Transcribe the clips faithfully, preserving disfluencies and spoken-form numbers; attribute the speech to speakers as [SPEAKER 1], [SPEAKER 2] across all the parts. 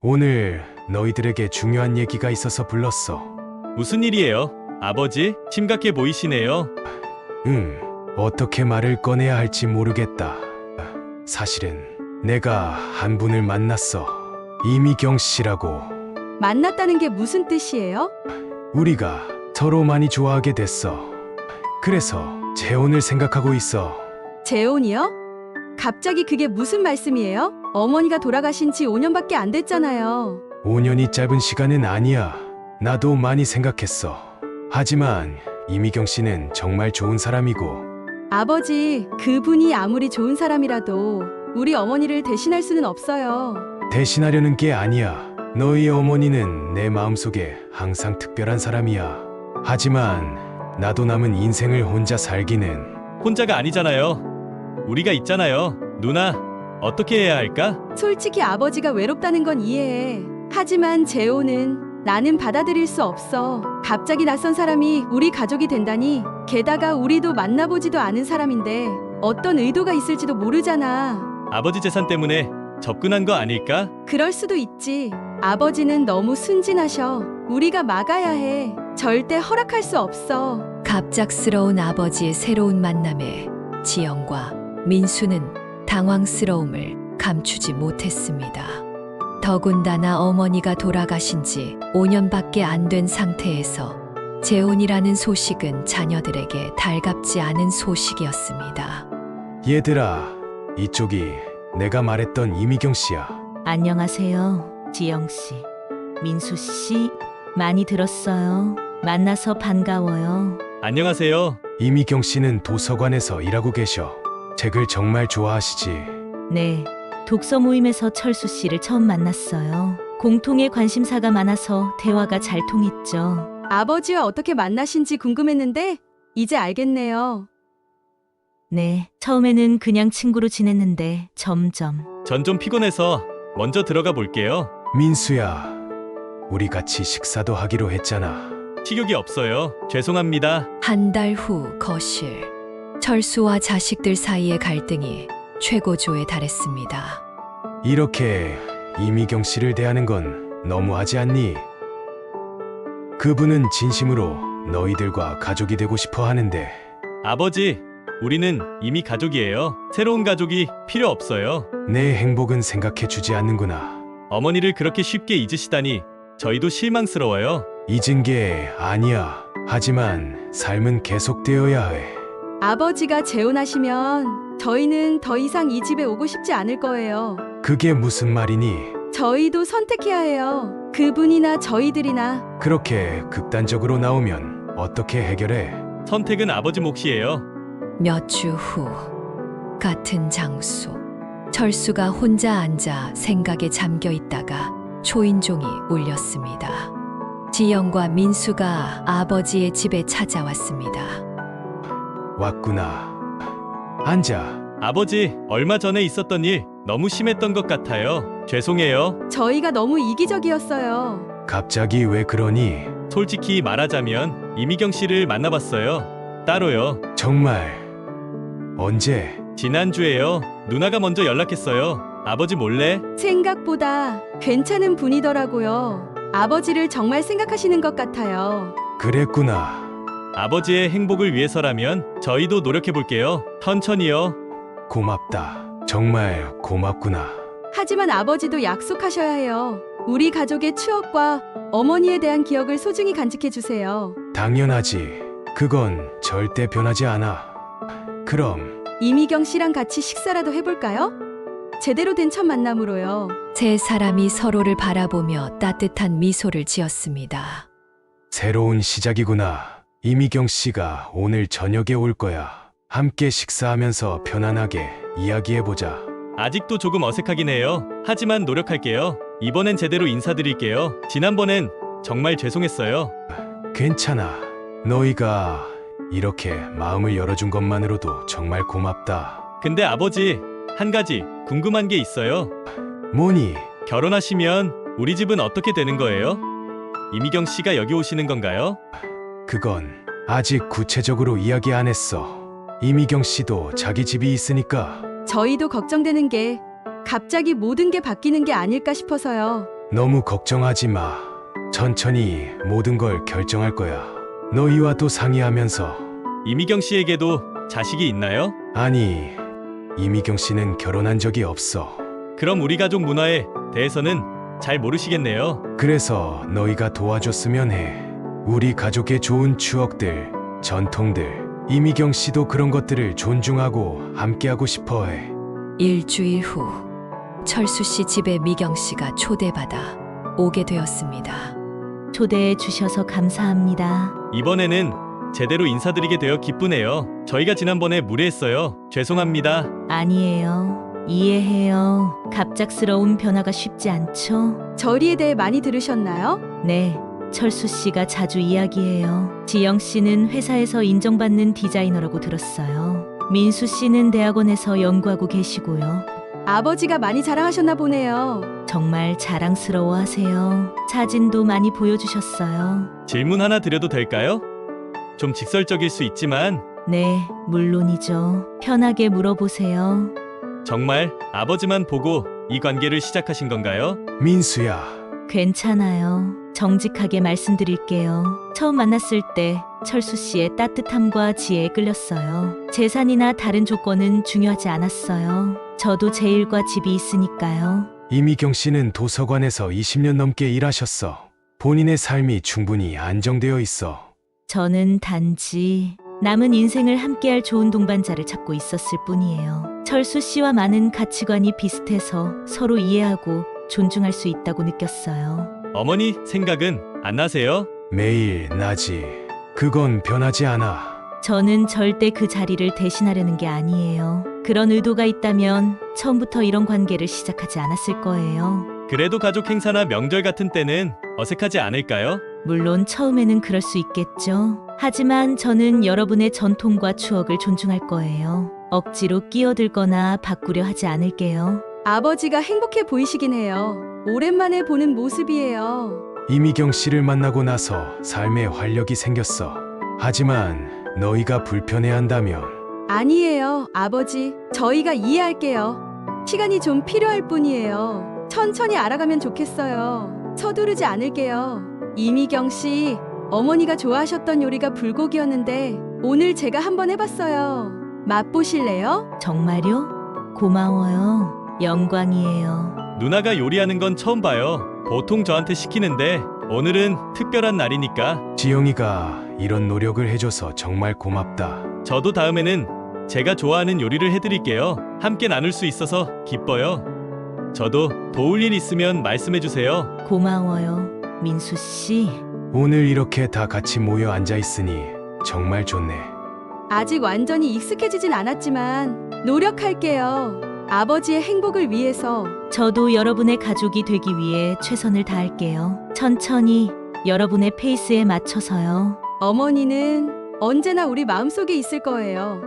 [SPEAKER 1] 오늘 너희들에게 중요한 얘기가 있어서 불렀어.
[SPEAKER 2] 무슨 일이에요? 아버지, 심각해 보이시네요.
[SPEAKER 1] 응, 어떻게 말을 꺼내야 할지 모르겠다. 사실은 내가 한 분을 만났어. 이미경 씨라고.
[SPEAKER 3] 만났다는 게 무슨 뜻이에요?
[SPEAKER 1] 우리가 서로 많이 좋아하게 됐어. 그래서 재혼을 생각하고 있어.
[SPEAKER 3] 재혼이요? 갑자기 그게 무슨 말씀이에요? 어머니가 돌아가신 지 오 년밖에 안 됐잖아요.
[SPEAKER 1] 오 년이 짧은 시간은 아니야. 나도 많이 생각했어. 하지만 이미경 씨는 정말 좋은 사람이고.
[SPEAKER 3] 아버지, 그분이 아무리 좋은 사람이라도 우리 어머니를 대신할 수는 없어요.
[SPEAKER 1] 대신하려는 게 아니야. 너희 어머니는 내 마음속에 항상 특별한 사람이야. 하지만 나도 남은 인생을 혼자 살기는.
[SPEAKER 2] 혼자가 아니잖아요. 우리가 있잖아요. 누나, 어떻게 해야 할까?
[SPEAKER 3] 솔직히 아버지가 외롭다는 건 이해해. 하지만 재혼은 나는 받아들일 수 없어. 갑자기 낯선 사람이 우리 가족이 된다니. 게다가 우리도 만나보지도 않은 사람인데 어떤 의도가 있을지도 모르잖아.
[SPEAKER 2] 아버지 재산 때문에 접근한 거 아닐까?
[SPEAKER 3] 그럴 수도 있지. 아버지는 너무 순진하셔. 우리가 막아야 해. 절대 허락할 수 없어.
[SPEAKER 4] 갑작스러운 아버지의 새로운 만남에 지영과 민수는 당황스러움을 감추지 못했습니다. 더군다나 어머니가 돌아가신 지 오 년밖에 안 된 상태에서 재혼이라는 소식은 자녀들에게 달갑지 않은 소식이었습니다.
[SPEAKER 1] 얘들아, 이쪽이 내가 말했던 이미경 씨야.
[SPEAKER 5] 안녕하세요, 지영 씨. 민수 씨, 많이 들었어요. 만나서 반가워요.
[SPEAKER 2] 안녕하세요.
[SPEAKER 1] 이미경 씨는 도서관에서 일하고 계셔. 책을 정말 좋아하시지.
[SPEAKER 5] 네, 독서 모임에서 철수 씨를 처음 만났어요. 공통의 관심사가 많아서 대화가 잘 통했죠.
[SPEAKER 3] 아버지와 어떻게 만나신지 궁금했는데 이제 알겠네요.
[SPEAKER 5] 네, 처음에는 그냥 친구로 지냈는데 점점.
[SPEAKER 2] 전 좀 피곤해서 먼저 들어가 볼게요.
[SPEAKER 1] 민수야, 우리 같이 식사도 하기로 했잖아.
[SPEAKER 2] 식욕이 없어요. 죄송합니다.
[SPEAKER 4] 한 달 후 거실. 철수와 자식들 사이의 갈등이 최고조에 달했습니다.
[SPEAKER 1] 이렇게 이미경 씨를 대하는 건 너무하지 않니? 그분은 진심으로 너희들과 가족이 되고 싶어 하는데.
[SPEAKER 2] 아버지, 우리는 이미 가족이에요. 새로운 가족이 필요 없어요.
[SPEAKER 1] 내 행복은 생각해 주지 않는구나.
[SPEAKER 2] 어머니를 그렇게 쉽게 잊으시다니 저희도 실망스러워요.
[SPEAKER 1] 잊은 게 아니야. 하지만 삶은 계속되어야 해.
[SPEAKER 3] 아버지가 재혼하시면 저희는 더 이상 이 집에 오고 싶지 않을 거예요.
[SPEAKER 1] 그게 무슨 말이니?
[SPEAKER 3] 저희도 선택해야 해요. 그분이나 저희들이나.
[SPEAKER 1] 그렇게 극단적으로 나오면 어떻게 해결해?
[SPEAKER 2] 선택은 아버지 몫이에요.
[SPEAKER 4] 몇 주 후 같은 장소. 철수가 혼자 앉아 생각에 잠겨 있다가 초인종이 울렸습니다. 지영과 민수가 아버지의 집에 찾아왔습니다.
[SPEAKER 1] 왔구나. 앉아.
[SPEAKER 2] 아버지, 얼마 전에 있었던 일 너무 심했던 것 같아요. 죄송해요.
[SPEAKER 3] 저희가 너무 이기적이었어요.
[SPEAKER 1] 갑자기 왜 그러니?
[SPEAKER 2] 솔직히 말하자면 이미경 씨를 만나봤어요. 따로요.
[SPEAKER 1] 정말. 언제?
[SPEAKER 2] 지난주에요. 누나가 먼저 연락했어요. 아버지 몰래.
[SPEAKER 3] 생각보다 괜찮은 분이더라고요. 아버지를 정말 생각하시는 것 같아요.
[SPEAKER 1] 그랬구나.
[SPEAKER 2] 아버지의 행복을 위해서라면 저희도 노력해볼게요. 천천히요.
[SPEAKER 1] 고맙다. 정말 고맙구나.
[SPEAKER 3] 하지만 아버지도 약속하셔야 해요. 우리 가족의 추억과 어머니에 대한 기억을 소중히 간직해 주세요.
[SPEAKER 1] 당연하지. 그건 절대 변하지 않아. 그럼
[SPEAKER 3] 이미경 씨랑 같이 식사라도 해볼까요? 제대로 된 첫 만남으로요.
[SPEAKER 4] 세 사람이 서로를 바라보며 따뜻한 미소를 지었습니다.
[SPEAKER 1] 새로운 시작이구나. 이미경 씨가 오늘 저녁에 올 거야. 함께 식사하면서 편안하게 이야기해보자.
[SPEAKER 2] 아직도 조금 어색하긴 해요. 하지만 노력할게요. 이번엔 제대로 인사드릴게요. 지난번엔 정말 죄송했어요.
[SPEAKER 1] 괜찮아. 너희가 이렇게 마음을 열어준 것만으로도 정말 고맙다.
[SPEAKER 2] 근데 아버지, 한 가지 궁금한 게 있어요.
[SPEAKER 1] 뭐니?
[SPEAKER 2] 결혼하시면 우리 집은 어떻게 되는 거예요? 이미경 씨가 여기 오시는 건가요?
[SPEAKER 1] 그건 아직 구체적으로 이야기 안 했어. 이미경 씨도 자기 집이 있으니까.
[SPEAKER 3] 저희도 걱정되는 게 갑자기 모든 게 바뀌는 게 아닐까 싶어서요.
[SPEAKER 1] 너무 걱정하지 마. 천천히 모든 걸 결정할 거야. 너희와 또 상의하면서.
[SPEAKER 2] 이미경 씨에게도 자식이 있나요?
[SPEAKER 1] 아니, 이미경 씨는 결혼한 적이 없어.
[SPEAKER 2] 그럼 우리 가족 문화에 대해서는 잘 모르시겠네요.
[SPEAKER 1] 그래서 너희가 도와줬으면 해. 우리 가족의 좋은 추억들, 전통들. 이미경 씨도 그런 것들을 존중하고 함께하고 싶어 해.
[SPEAKER 4] 일주일 후 철수 씨 집에 미경 씨가 초대받아 오게 되었습니다.
[SPEAKER 5] 초대해 주셔서 감사합니다.
[SPEAKER 2] 이번에는 제대로 인사드리게 되어 기쁘네요. 저희가 지난번에 무례했어요. 죄송합니다.
[SPEAKER 5] 아니에요. 이해해요. 갑작스러운 변화가 쉽지 않죠?
[SPEAKER 3] 저리에 대해 많이 들으셨나요?
[SPEAKER 5] 네. 철수 씨가 자주 이야기해요. 지영 씨는 회사에서 인정받는 디자이너라고 들었어요. 민수 씨는 대학원에서 연구하고 계시고요.
[SPEAKER 3] 아버지가 많이 자랑하셨나 보네요.
[SPEAKER 5] 정말 자랑스러워 하세요. 사진도 많이 보여주셨어요.
[SPEAKER 2] 질문 하나 드려도 될까요? 좀 직설적일 수 있지만
[SPEAKER 5] 네, 물론이죠. 편하게 물어보세요.
[SPEAKER 2] 정말 아버지만 보고 이 관계를 시작하신 건가요?
[SPEAKER 1] 민수야,
[SPEAKER 5] 괜찮아요. 정직하게 말씀드릴게요. 처음 만났을 때 철수 씨의 따뜻함과 지혜에 끌렸어요. 재산이나 다른 조건은 중요하지 않았어요. 저도 제 일과 집이 있으니까요.
[SPEAKER 1] 이미경 씨는 도서관에서 이십 년 넘게 일하셨어. 본인의 삶이 충분히 안정되어 있어.
[SPEAKER 5] 저는 단지 남은 인생을 함께할 좋은 동반자를 찾고 있었을 뿐이에요. 철수 씨와 많은 가치관이 비슷해서 서로 이해하고 존중할 수 있다고 느꼈어요.
[SPEAKER 2] 어머니 생각은 안 나세요?
[SPEAKER 1] 매일 나지. 그건 변하지 않아.
[SPEAKER 5] 저는 절대 그 자리를 대신하려는 게 아니에요. 그런 의도가 있다면 처음부터 이런 관계를 시작하지 않았을 거예요.
[SPEAKER 2] 그래도 가족 행사나 명절 같은 때는 어색하지 않을까요?
[SPEAKER 5] 물론 처음에는 그럴 수 있겠죠. 하지만 저는 여러분의 전통과 추억을 존중할 거예요. 억지로 끼어들거나 바꾸려 하지 않을게요.
[SPEAKER 3] 아버지가 행복해 보이시긴 해요. 오랜만에 보는 모습이에요.
[SPEAKER 1] 이미경 씨를 만나고 나서 삶에 활력이 생겼어. 하지만 너희가 불편해한다면
[SPEAKER 3] 아니에요, 아버지. 저희가 이해할게요. 시간이 좀 필요할 뿐이에요. 천천히 알아가면 좋겠어요. 서두르지 않을게요. 이미경 씨, 어머니가 좋아하셨던 요리가 불고기였는데 오늘 제가 한번 해봤어요. 맛보실래요?
[SPEAKER 5] 정말요? 고마워요. 영광이에요.
[SPEAKER 2] 누나가 요리하는 건 처음 봐요. 보통 저한테 시키는데 오늘은 특별한 날이니까
[SPEAKER 1] 지영이가 이런 노력을 해줘서 정말 고맙다.
[SPEAKER 2] 저도 다음에는 제가 좋아하는 요리를 해드릴게요. 함께 나눌 수 있어서 기뻐요. 저도 도울 일 있으면 말씀해주세요.
[SPEAKER 5] 고마워요. 민수 씨.
[SPEAKER 1] 오늘 이렇게 다 같이 모여 앉아 있으니 정말 좋네.
[SPEAKER 3] 아직 완전히 익숙해지진 않았지만 노력할게요. 아버지의 행복을 위해서.
[SPEAKER 5] 저도 여러분의 가족이 되기 위해 최선을 다할게요. 천천히 여러분의 페이스에 맞춰서요.
[SPEAKER 3] 어머니는 언제나 우리 마음속에 있을 거예요.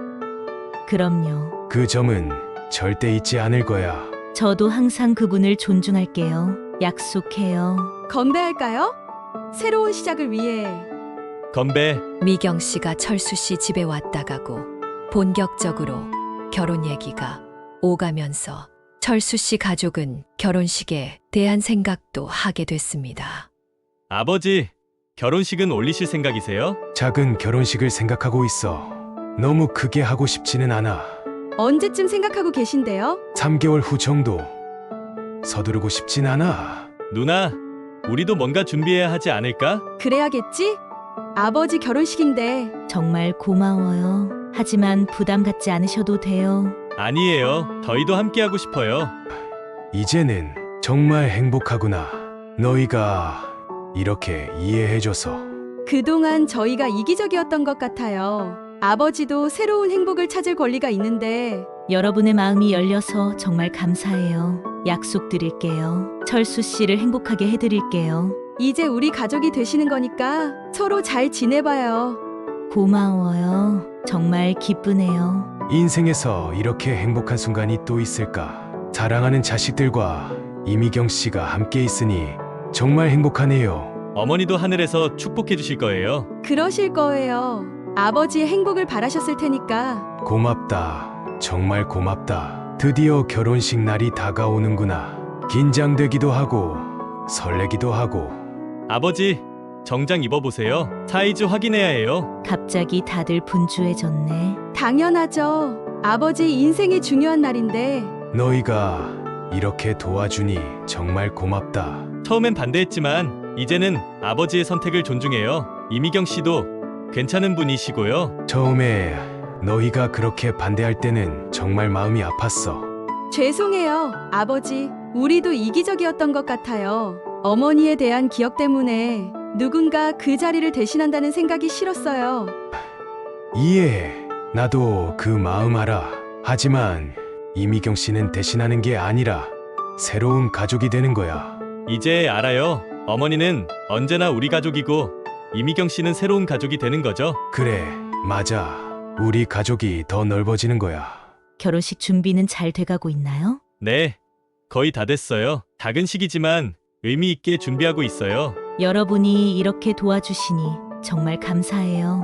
[SPEAKER 5] 그럼요.
[SPEAKER 1] 그 점은 절대 잊지 않을 거야.
[SPEAKER 5] 저도 항상 그분을 존중할게요. 약속해요.
[SPEAKER 3] 건배할까요? 새로운 시작을 위해.
[SPEAKER 2] 건배.
[SPEAKER 4] 미경 씨가 철수 씨 집에 왔다 가고 본격적으로 결혼 얘기가 오가면서 철수 씨 가족은 결혼식에 대한 생각도 하게 됐습니다.
[SPEAKER 2] 아버지, 결혼식은 올리실 생각이세요?
[SPEAKER 1] 작은 결혼식을 생각하고 있어. 너무 크게 하고 싶지는 않아.
[SPEAKER 3] 언제쯤 생각하고 계신데요?
[SPEAKER 1] 삼 개월 후 정도. 서두르고 싶진 않아.
[SPEAKER 2] 누나, 우리도 뭔가 준비해야 하지 않을까?
[SPEAKER 3] 그래야겠지? 아버지 결혼식인데.
[SPEAKER 5] 정말 고마워요. 하지만 부담 갖지 않으셔도 돼요.
[SPEAKER 2] 아니에요. 저희도 함께하고 싶어요.
[SPEAKER 1] 이제는 정말 행복하구나. 너희가 이렇게 이해해줘서.
[SPEAKER 3] 그동안 저희가 이기적이었던 것 같아요. 아버지도 새로운 행복을 찾을 권리가 있는데.
[SPEAKER 5] 여러분의 마음이 열려서 정말 감사해요. 약속드릴게요. 철수 씨를 행복하게 해드릴게요.
[SPEAKER 3] 이제 우리 가족이 되시는 거니까 서로 잘 지내봐요.
[SPEAKER 5] 고마워요. 정말 기쁘네요.
[SPEAKER 1] 인생에서 이렇게 행복한 순간이 또 있을까? 사랑하는 자식들과 이미경 씨가 함께 있으니 정말 행복하네요.
[SPEAKER 2] 어머니도 하늘에서 축복해 주실 거예요.
[SPEAKER 3] 그러실 거예요. 아버지의 행복을 바라셨을 테니까.
[SPEAKER 1] 고맙다. 정말 고맙다. 드디어 결혼식 날이 다가오는구나. 긴장되기도 하고 설레기도 하고.
[SPEAKER 2] 아버지, 정장 입어보세요. 사이즈 확인해야 해요.
[SPEAKER 5] 갑자기 다들 분주해졌네.
[SPEAKER 3] 당연하죠. 아버지 인생의 중요한 날인데.
[SPEAKER 1] 너희가 이렇게 도와주니 정말 고맙다.
[SPEAKER 2] 처음엔 반대했지만 이제는 아버지의 선택을 존중해요. 이미경 씨도 괜찮은 분이시고요.
[SPEAKER 1] 처음에 너희가 그렇게 반대할 때는 정말 마음이 아팠어.
[SPEAKER 3] 죄송해요, 아버지. 우리도 이기적이었던 것 같아요. 어머니에 대한 기억 때문에 누군가 그 자리를 대신한다는 생각이 싫었어요.
[SPEAKER 1] 이해해. 나도 그 마음 알아. 하지만 이미경 씨는 대신하는 게 아니라 새로운 가족이 되는 거야.
[SPEAKER 2] 이제 알아요. 어머니는 언제나 우리 가족이고 이미경 씨는 새로운 가족이 되는 거죠.
[SPEAKER 1] 그래, 맞아. 우리 가족이 더 넓어지는 거야.
[SPEAKER 5] 결혼식 준비는 잘 돼가고 있나요?
[SPEAKER 2] 네, 거의 다 됐어요. 작은 시기지만 의미 있게 준비하고 있어요.
[SPEAKER 5] 여러분이 이렇게 도와주시니 정말 감사해요.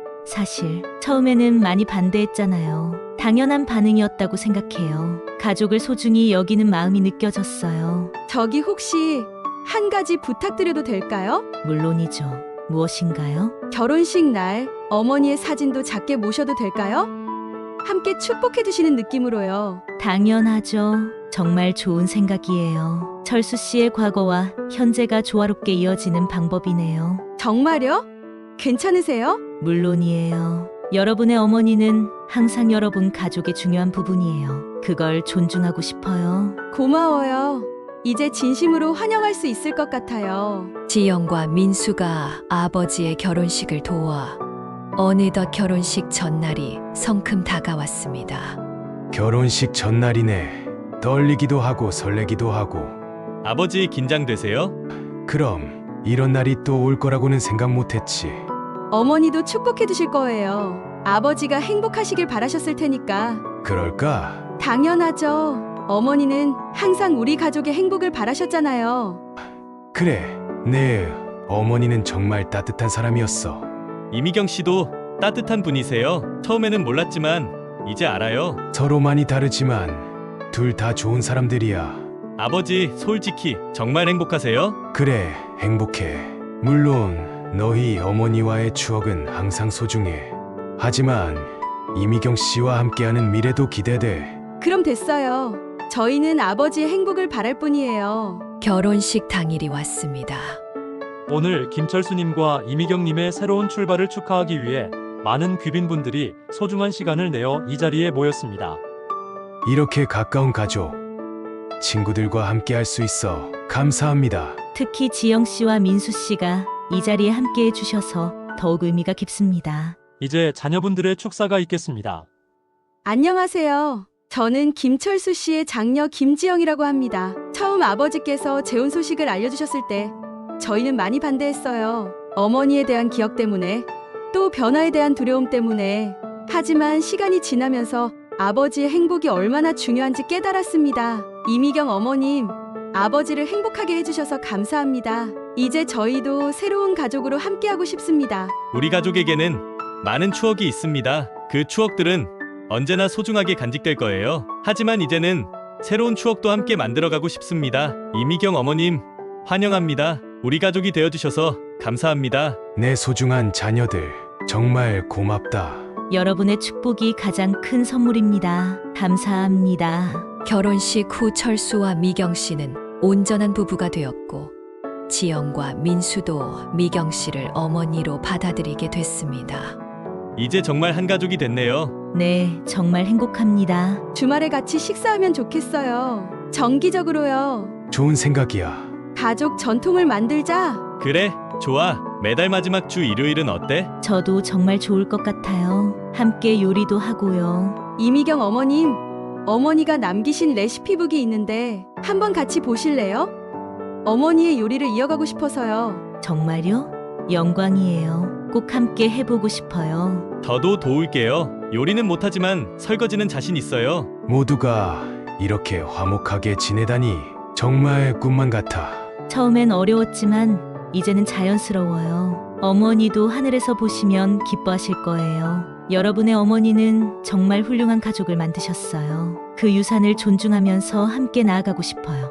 [SPEAKER 5] 사실 처음에는 많이 반대했잖아요. 당연한 반응이었다고 생각해요. 가족을 소중히 여기는 마음이 느껴졌어요.
[SPEAKER 3] 저기 혹시 한 가지 부탁드려도 될까요?
[SPEAKER 5] 물론이죠. 무엇인가요?
[SPEAKER 3] 결혼식 날 어머니의 사진도 작게 모셔도 될까요? 함께 축복해 주시는 느낌으로요.
[SPEAKER 5] 당연하죠. 정말 좋은 생각이에요. 철수 씨의 과거와 현재가 조화롭게 이어지는 방법이네요.
[SPEAKER 3] 정말요? 괜찮으세요?
[SPEAKER 5] 물론이에요. 여러분의 어머니는 항상 여러분 가족의 중요한 부분이에요. 그걸 존중하고 싶어요.
[SPEAKER 3] 고마워요. 이제 진심으로 환영할 수 있을 것 같아요.
[SPEAKER 4] 지영과 민수가 아버지의 결혼식을 도와 어느덧 결혼식 전날이 성큼 다가왔습니다.
[SPEAKER 1] 결혼식 전날이네. 떨리기도 하고 설레기도 하고.
[SPEAKER 2] 아버지 긴장되세요?
[SPEAKER 1] 그럼 이런 날이 또 올 거라고는 생각 못했지.
[SPEAKER 3] 어머니도 축복해 주실 거예요. 아버지가 행복하시길 바라셨을 테니까.
[SPEAKER 1] 그럴까?
[SPEAKER 3] 당연하죠. 어머니는 항상 우리 가족의 행복을 바라셨잖아요.
[SPEAKER 1] 그래, 내 어머니는 정말 따뜻한 사람이었어.
[SPEAKER 2] 이미경 씨도 따뜻한 분이세요. 처음에는 몰랐지만 이제 알아요.
[SPEAKER 1] 서로 많이 다르지만 둘 다 좋은 사람들이야.
[SPEAKER 2] 아버지, 솔직히 정말 행복하세요?
[SPEAKER 1] 그래, 행복해. 물론 너희 어머니와의 추억은 항상 소중해. 하지만 이미경 씨와 함께하는 미래도 기대돼.
[SPEAKER 3] 그럼 됐어요. 저희는 아버지의 행복을 바랄 뿐이에요.
[SPEAKER 4] 결혼식 당일이 왔습니다.
[SPEAKER 6] 오늘 김철수님과 이미경님의 새로운 출발을 축하하기 위해 많은 귀빈분들이 소중한 시간을 내어 이 자리에 모였습니다.
[SPEAKER 1] 이렇게 가까운 가족, 친구들과 함께할 수 있어 감사합니다.
[SPEAKER 5] 특히 지영 씨와 민수 씨가 이 자리에 함께 해주셔서 더욱 의미가 깊습니다.
[SPEAKER 6] 이제 자녀분들의 축사가 있겠습니다.
[SPEAKER 3] 안녕하세요. 저는 김철수 씨의 장녀 김지영이라고 합니다. 처음 아버지께서 재혼 소식을 알려주셨을 때 저희는 많이 반대했어요. 어머니에 대한 기억 때문에, 또 변화에 대한 두려움 때문에. 하지만 시간이 지나면서 아버지의 행복이 얼마나 중요한지 깨달았습니다. 이미경 어머님, 아버지를 행복하게 해주셔서 감사합니다. 이제 저희도 새로운 가족으로 함께하고 싶습니다.
[SPEAKER 2] 우리 가족에게는 많은 추억이 있습니다. 그 추억들은 언제나 소중하게 간직될 거예요. 하지만 이제는 새로운 추억도 함께 만들어가고 싶습니다. 이미경 어머님, 환영합니다. 우리 가족이 되어주셔서 감사합니다.
[SPEAKER 1] 내 소중한 자녀들, 정말 고맙다.
[SPEAKER 5] 여러분의 축복이 가장 큰 선물입니다. 감사합니다.
[SPEAKER 4] 결혼식 후 철수와 미경 씨는 온전한 부부가 되었고 지영과 민수도 미경 씨를 어머니로 받아들이게 됐습니다.
[SPEAKER 2] 이제 정말 한 가족이 됐네요.
[SPEAKER 5] 네, 정말 행복합니다.
[SPEAKER 3] 주말에 같이 식사하면 좋겠어요. 정기적으로요.
[SPEAKER 1] 좋은 생각이야.
[SPEAKER 3] 가족 전통을 만들자.
[SPEAKER 2] 그래, 좋아. 매달 마지막 주 일요일은 어때?
[SPEAKER 5] 저도 정말 좋을 것 같아요. 함께 요리도 하고요.
[SPEAKER 3] 이미경 어머님, 어머니가 남기신 레시피북이 있는데 한번 같이 보실래요? 어머니의 요리를 이어가고 싶어서요.
[SPEAKER 5] 정말요? 영광이에요. 꼭 함께 해보고 싶어요.
[SPEAKER 2] 저도 도울게요. 요리는 못하지만 설거지는 자신 있어요.
[SPEAKER 1] 모두가 이렇게 화목하게 지내다니 정말 꿈만 같아.
[SPEAKER 5] 처음엔 어려웠지만 이제는 자연스러워요. 어머니도 하늘에서 보시면 기뻐하실 거예요. 여러분의 어머니는 정말 훌륭한 가족을 만드셨어요. 그 유산을 존중하면서 함께 나아가고 싶어요.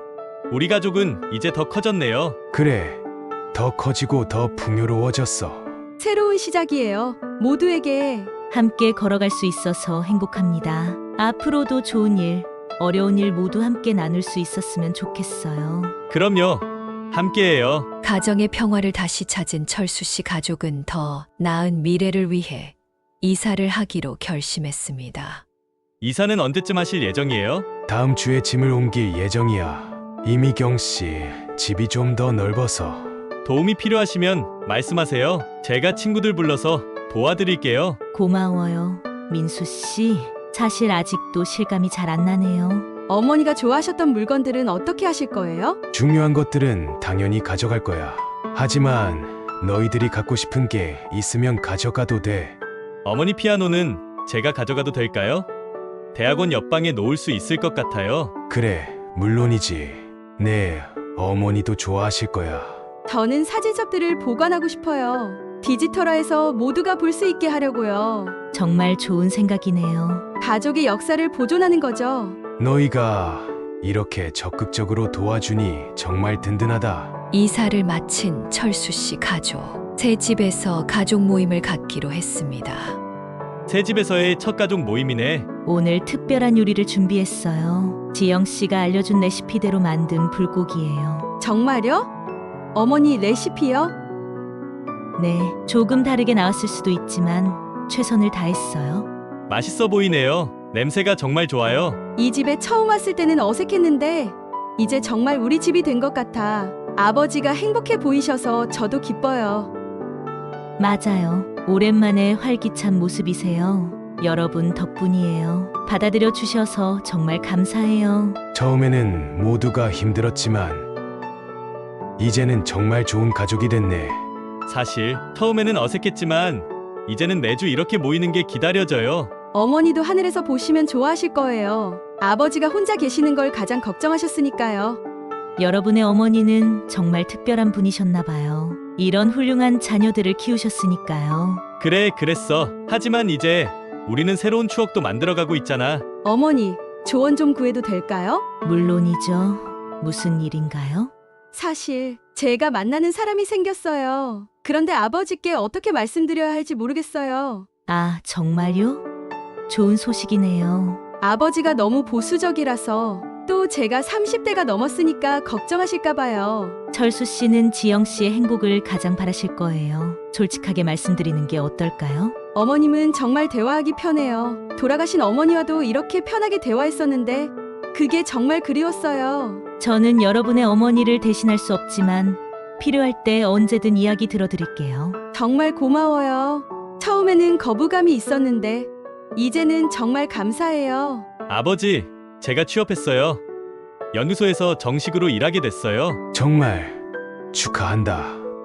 [SPEAKER 2] 우리 가족은 이제 더 커졌네요.
[SPEAKER 1] 그래, 더 커지고 더 풍요로워졌어.
[SPEAKER 3] 새로운 시작이에요. 모두에게.
[SPEAKER 5] 함께 걸어갈 수 있어서 행복합니다. 앞으로도 좋은 일, 어려운 일 모두 함께 나눌 수 있었으면 좋겠어요.
[SPEAKER 2] 그럼요. 함께해요.
[SPEAKER 4] 가정의 평화를 다시 찾은 철수 씨 가족은 더 나은 미래를 위해 이사를 하기로 결심했습니다.
[SPEAKER 2] 이사는 언제쯤 하실 예정이에요?
[SPEAKER 1] 다음 주에 짐을 옮길 예정이야. 이미경 씨, 집이 좀 더 넓어서.
[SPEAKER 2] 도움이 필요하시면 말씀하세요. 제가 친구들 불러서 도와드릴게요.
[SPEAKER 5] 고마워요. 민수 씨, 사실 아직도 실감이 잘 안 나네요.
[SPEAKER 3] 어머니가 좋아하셨던 물건들은 어떻게 하실 거예요?
[SPEAKER 1] 중요한 것들은 당연히 가져갈 거야. 하지만 너희들이 갖고 싶은 게 있으면 가져가도 돼.
[SPEAKER 2] 어머니 피아노는 제가 가져가도 될까요? 대학원 옆방에 놓을 수 있을 것 같아요.
[SPEAKER 1] 그래, 물론이지. 네, 어머니도 좋아하실 거야.
[SPEAKER 3] 저는 사진첩들을 보관하고 싶어요. 디지털화해서 모두가 볼 수 있게 하려고요.
[SPEAKER 5] 정말 좋은 생각이네요.
[SPEAKER 3] 가족의 역사를 보존하는 거죠.
[SPEAKER 1] 너희가 이렇게 적극적으로 도와주니 정말 든든하다.
[SPEAKER 4] 이사를 마친 철수 씨 가족. 새 집에서 가족 모임을 갖기로 했습니다.
[SPEAKER 2] 새 집에서의 첫 가족 모임이네.
[SPEAKER 5] 오늘 특별한 요리를 준비했어요. 지영 씨가 알려준 레시피대로 만든 불고기예요.
[SPEAKER 3] 정말요? 어머니 레시피요?
[SPEAKER 5] 네, 조금 다르게 나왔을 수도 있지만 최선을 다했어요.
[SPEAKER 2] 맛있어 보이네요. 냄새가 정말 좋아요.
[SPEAKER 3] 이 집에 처음 왔을 때는 어색했는데 이제 정말 우리 집이 된 것 같아. 아버지가 행복해 보이셔서 저도 기뻐요.
[SPEAKER 5] 맞아요. 오랜만에 활기찬 모습이세요. 여러분 덕분이에요. 받아들여 주셔서 정말 감사해요.
[SPEAKER 1] 처음에는 모두가 힘들었지만 이제는 정말 좋은 가족이 됐네.
[SPEAKER 2] 사실 처음에는 어색했지만 이제는 매주 이렇게 모이는 게 기다려져요.
[SPEAKER 3] 어머니도 하늘에서 보시면 좋아하실 거예요. 아버지가 혼자 계시는 걸 가장 걱정하셨으니까요.
[SPEAKER 5] 여러분의 어머니는 정말 특별한 분이셨나 봐요. 이런 훌륭한 자녀들을 키우셨으니까요.
[SPEAKER 2] 그래, 그랬어. 하지만 이제 우리는 새로운 추억도 만들어가고 있잖아.
[SPEAKER 3] 어머니, 조언 좀 구해도 될까요?
[SPEAKER 5] 물론이죠. 무슨 일인가요?
[SPEAKER 3] 사실 제가 만나는 사람이 생겼어요. 그런데 아버지께 어떻게 말씀드려야 할지 모르겠어요.
[SPEAKER 5] 아, 정말요? 좋은 소식이네요.
[SPEAKER 3] 아버지가 너무 보수적이라서 또 제가 삼십 대가 넘었으니까 걱정하실까 봐요.
[SPEAKER 5] 철수 씨는 지영 씨의 행복을 가장 바라실 거예요. 솔직하게 말씀드리는 게 어떨까요?
[SPEAKER 3] 어머님은 정말 대화하기 편해요. 돌아가신 어머니와도 이렇게 편하게 대화했었는데 그게 정말 그리웠어요.
[SPEAKER 5] 저는 여러분의 어머니를 대신할 수 없지만 필요할 때 언제든 이야기 들어드릴게요.
[SPEAKER 3] 정말 고마워요. 처음에는 거부감이 있었는데 이제는 정말 감사해요.
[SPEAKER 2] 아버지, 제가 취업했어요. 연구소에서 정식으로 일하게 됐어요.
[SPEAKER 1] 정말 축하한다.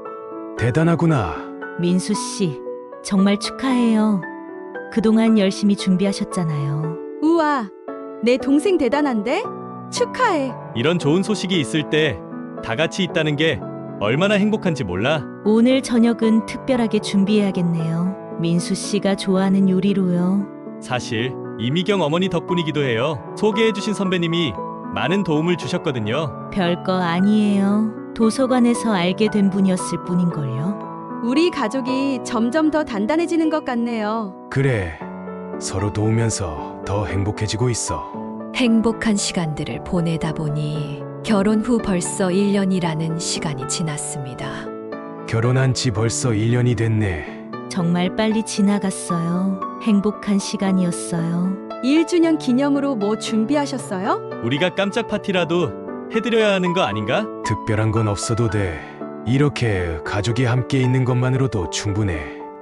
[SPEAKER 1] 대단하구나.
[SPEAKER 5] 민수 씨, 정말 축하해요. 그동안 열심히 준비하셨잖아요.
[SPEAKER 3] 우와, 내 동생 대단한데? 축하해.
[SPEAKER 2] 이런 좋은 소식이 있을 때 다 같이 있다는 게 얼마나 행복한지 몰라.
[SPEAKER 5] 오늘 저녁은 특별하게 준비해야겠네요. 민수 씨가 좋아하는 요리로요.
[SPEAKER 2] 사실 이미경 어머니 덕분이기도 해요. 소개해주신 선배님이 많은 도움을 주셨거든요.
[SPEAKER 5] 별거 아니에요. 도서관에서 알게 된 분이었을 뿐인걸요.
[SPEAKER 3] 우리 가족이 점점 더 단단해지는 것 같네요.
[SPEAKER 1] 그래, 서로 도우면서 더 행복해지고 있어.
[SPEAKER 4] 행복한 시간들을 보내다 보니 결혼 후 벌써 일 년이라는 시간이 지났습니다.
[SPEAKER 1] 결혼한 지 벌써 일 년이 됐네.
[SPEAKER 5] 정말 빨리 지나갔어요. 행복한 시간이었어요.
[SPEAKER 3] 일 주년 기념으로 뭐 준비하셨어요?
[SPEAKER 2] 우리가 깜짝 파티라도 해드려야 하는 거 아닌가?
[SPEAKER 1] 특별한 건 없어도 돼. 이렇게 가족이 함께 있는 것만으로도 충분해.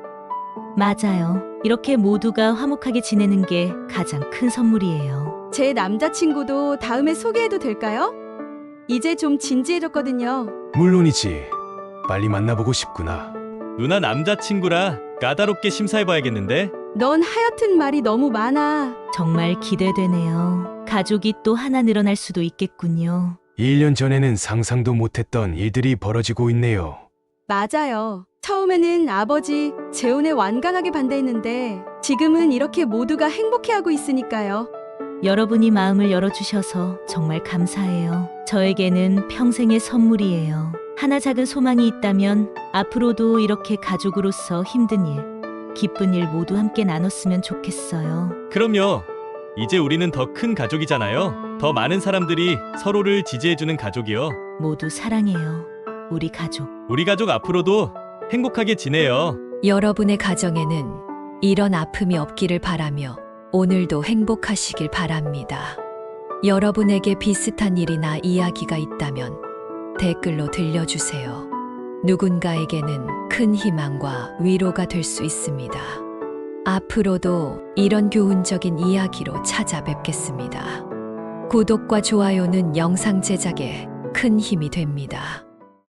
[SPEAKER 5] 맞아요. 이렇게 모두가 화목하게 지내는 게 가장 큰 선물이에요.
[SPEAKER 3] 제 남자친구도 다음에 소개해도 될까요? 이제 좀 진지해졌거든요.
[SPEAKER 1] 물론이지. 빨리 만나보고 싶구나.
[SPEAKER 2] 누나 남자친구라 까다롭게 심사해봐야겠는데?
[SPEAKER 3] 넌 하여튼 말이 너무 많아.
[SPEAKER 5] 정말 기대되네요. 가족이 또 하나 늘어날 수도 있겠군요.
[SPEAKER 1] 일 년 전에는 상상도 못했던 일들이 벌어지고 있네요.
[SPEAKER 3] 맞아요. 처음에는 아버지 재혼에 완강하게 반대했는데 지금은 이렇게 모두가 행복해하고 있으니까요.
[SPEAKER 5] 여러분이 마음을 열어주셔서 정말 감사해요. 저에게는 평생의 선물이에요. 하나 작은 소망이 있다면 앞으로도 이렇게 가족으로서 힘든 일, 기쁜 일 모두 함께 나눴으면 좋겠어요.
[SPEAKER 2] 그럼요. 이제 우리는 더 큰 가족이잖아요. 더 많은 사람들이 서로를 지지해주는 가족이요.
[SPEAKER 5] 모두 사랑해요. 우리 가족.
[SPEAKER 2] 우리 가족 앞으로도 행복하게 지내요.
[SPEAKER 4] 여러분의 가정에는 이런 아픔이 없기를 바라며 오늘도 행복하시길 바랍니다. 여러분에게 비슷한 일이나 이야기가 있다면 댓글로 들려주세요. 누군가에게는 큰 희망과 위로가 될 수 있습니다. 앞으로도 이런 교훈적인 이야기로 찾아뵙겠습니다. 구독과 좋아요는 영상 제작에 큰 힘이 됩니다.